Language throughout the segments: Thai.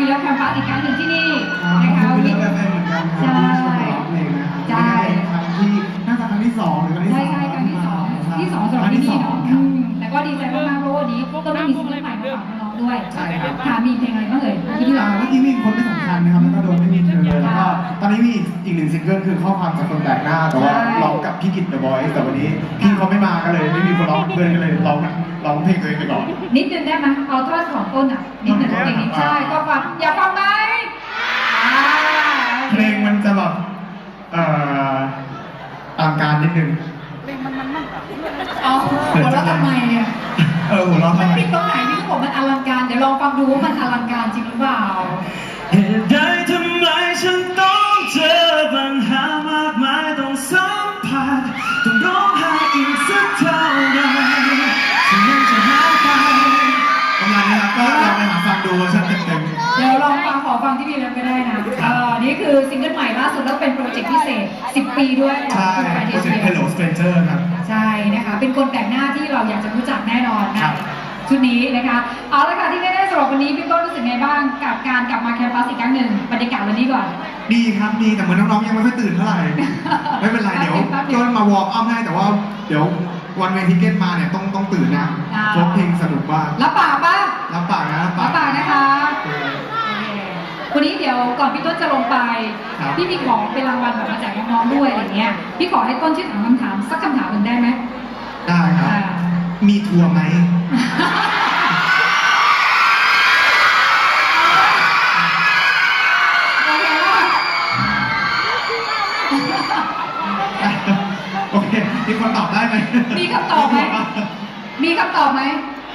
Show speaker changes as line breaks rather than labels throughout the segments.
มียกแคมปัสอีกครั้งหนึ่งที่นี่
นะ
นะคะ
วัน
วัน
นี้
นี้
ก็เป็นเหมือนกันครับที่ชมร้องเพลงนะครับ
ใช่
ครั้งที่น่าจะครั้งที่2หรือครั้งที่
ใช่
3
ใช่ครั้งที่สองสำหรับที่นี่เนาะแต่ก็ดีใจมากๆเพราะวันนี้ก็ไม่มีซิงเกิลใหม่มาฝากน้องๆด้วย
ใช่ครับ
ค่ะมีเพลงอะไรบ้างเอ่ยที่พี่ร้อง
เมื่อกี้มีคนไม่สำคัญนะครับแล้วก็โดนไม่มีเธอแล้วก็ตอนนี้มีอีกหนึ่งซิงเกิลคือข้อความจากคนแปลกหน้าแต่ว่าร้องกับพี่กิตเดอะบอยแต่วันนี้พี่เขาไม่มาก็เลยไม่มีคนร้องเพื่อนก็เลยร้องเพลงตัวเองไปก่อน
นิดนึงได้ไหมเอาท่อนของต้นอ่ะนิดนึงเพลงนี้ใช่ก็ฟังอยากฟังไหม
เพลงมันจะแบบตามการนิดนึง
เอาหัวเราะทำไมเนี่ย
หัวเราะทำไม
ผิดตรงไหนที่เขาบอกมันอลังการเดี๋ยวลองฟังดูว่ามันอลังการจริงหรือเปล่า
เหตุใดทำไมฉันต้องเจอปัญหามากมายต้องสัมผัสต้องร้องไห้อีกสักเท่าไหร่ฉันยังจะหายไป
ประมาณนี้ครับก็ลองไปหาฟังดูเวอร์ชันเต็ม
เดี๋ยวลองฟังขอฟังที่พี่เล่นก็ได้นะนี่คือซิงเกิลใหม่ล่าสุดแล้วเป็นโปรเจกต์พิเศษ 10 ปีด้วย
ๆใช่โปรเจกต์ Hello Stranger ครับ
ใช่นะคะเป็นคนแปลกหน้าที่เราอยากจะรู้จักแน่นอนนะชุดนี้นะคะเอาละค่ะที่แน่ๆสำหรับวันนี้พี่ต้นรู้สึกไงบ้างกับการกลับมาแคมปัสอีกครั้งหนึ่งบรรยากาศวันนี้ก่อน
ดีครับดีแต่เหมือนน้องๆยังไม่ค่อยตื่นเท่าไหร่ ไม่เป็นไรเดี๋ยวต้นมาวอร์มอัพให้แต่ว่าเดี๋ยววันเวทีเก็ตมาเนี่ยต้องตื่นนะเพราะเพลงสนุกมาก
รับปากป่ะ
รับปากนะรับ
รับปากนะคะ
เออ
วันนี้เดี๋ยวก่อนพี่ต้นจะลงไป
ครับ
พี่มีของเป็นรางวัลแบบมาแจกน้องๆด้วยอะไรเงี้ยพี่ขอให้ต้นช่วยถามคำถามสักคำถามหนึ่งได้ไหม
ได้ครับ
อ่า
มีทัวร์ไหม
โอเคว่า
โอเคมีคนตอบได้ไหม
มีคำตอบไหมมีคำตอบไหม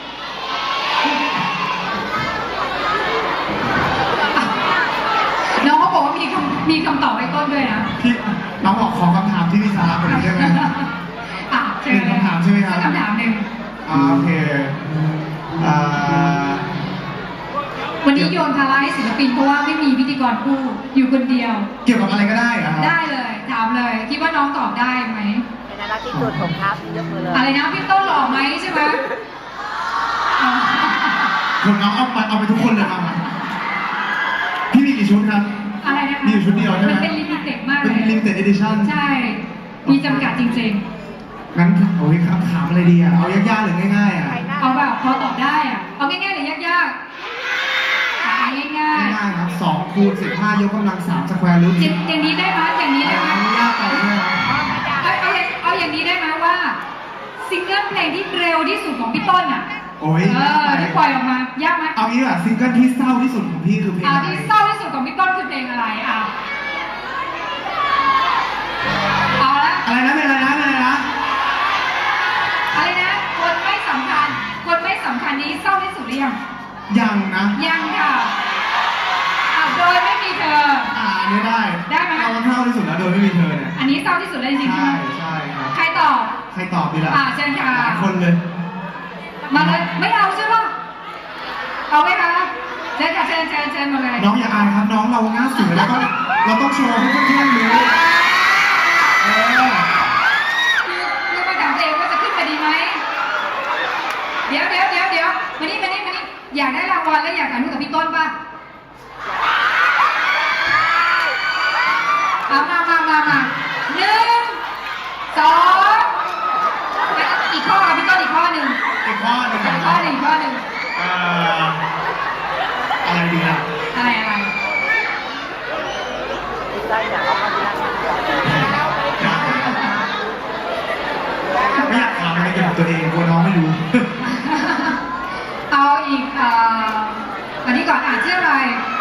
น้องเขาบอกว่ามีคำตอบให้ต้นด้วยนะ
พี่น้องบอกขอคำถามที่พี่ชาคนนี้ได้ไหม
อ่ะเชิญ
หนึ่งคำถามใช่ไหมครับ
สักคำถามหนึ่ง
โอเคอ่า
วันนี้โยนภาระให้ศิลปินเพราะว่าไม่มีพิธีกรคู่อยู่คนเดียว
เกี่ยวกับอะไรก็ได้เหรอครับ
ได้เลย ถามเลย คิดว่าน้องตอบได้ไหม
เป็นน่ารักที่สุดผมครับยกมือเลย
อะไรนะพี่ต้นหล่อไหมใช่ไหมอ๋อ
คนน้องเอาไปทุกคนเลยครับพี่มีกี่ชุดครับ
อะไรนะคะ
มีอยู่ชุดเดียวใช่ไหม
มันเป็นลิมิเต็ดมาก
เป็น
เลย
limited edition
ใช่ มีจำกัดจริง
งั้นโอ้ยครับถามอะไรดีอ่ะ เอายากๆหรือง่ายๆอ่ะ
ๆ เอาแบบพอตอบได้อะเอาง่ายๆหรือยากๆอ่ะง่าย
ง่ายๆครับ2คูณ15ยกกำลัง3สแควร์รูท
ๆอย่างนี้ได้ไหมอย่างนี้ได้ไหม
ยากไปใช่ไหมครับ
เอาอย่างนี้ได้ไหมว่าซิงเกิลเพลงที่เร็วที่สุดของพี่ต้นอ่ะ
โอ้ย
ที่ปล่อยออกมายากไหม
เอางี้อ่ะซิงเกิลที่เศร้าที่สุดของพี่คือเพลงอะไร
ที่เศร้าที่สุดของพี่ต้นคือเพลงอะไรอ่ะเอาละ
อะไรนะเพลงอะไรนะเพลงอะไรนะ
อะไรนะคนไม่สำคัญคนไม่สำคัญนี้เศร้าที่สุดหรือยัง
ยังนะ
ยังค่ะโดยไม่มีเธอ
อันนี้ได้
ได้ไหม
เอาเศร้าที่สุดแล้วโดยไม่มีเธอเนี่ย
อันนี้เศร้าที่สุดเลยจริงๆใช่
ใช่
ไหม
ใช่ครับ
ใครตอบ
ใครตอบดีล่ะ
เชิญค่ะ
หลายคนเลย
มาเลยไม่เอาใช่ปะเอาไหมคะเชิญค่ะเชิญมาเลย
น้องอย่าอายครับน้องเราหน้าสวยแล้วก็เราต้องโชว์ให้เพื่อนๆรู้
คือมาถามตัวเองว่าจะขึ้นไปดีไหมเดี๋ยวมานี่อยากได้รางวัลแล้วอยากถ่ายรูปกับพี่ต้นป่ะเอามา1 2อีกข้อค่ะพี่ต้นอีกข้อหนึ่ง
อีกข้อหนึ่ง อะไรดีล่ะ
อะไร
ได้อยากเอามาที่นั่ง
ไม่อยากถามอะไรเกี่ยวกับตัวเองกลัวน้องไม่รู้
เอาอีกอันนี้ก่อนชื่ออะไร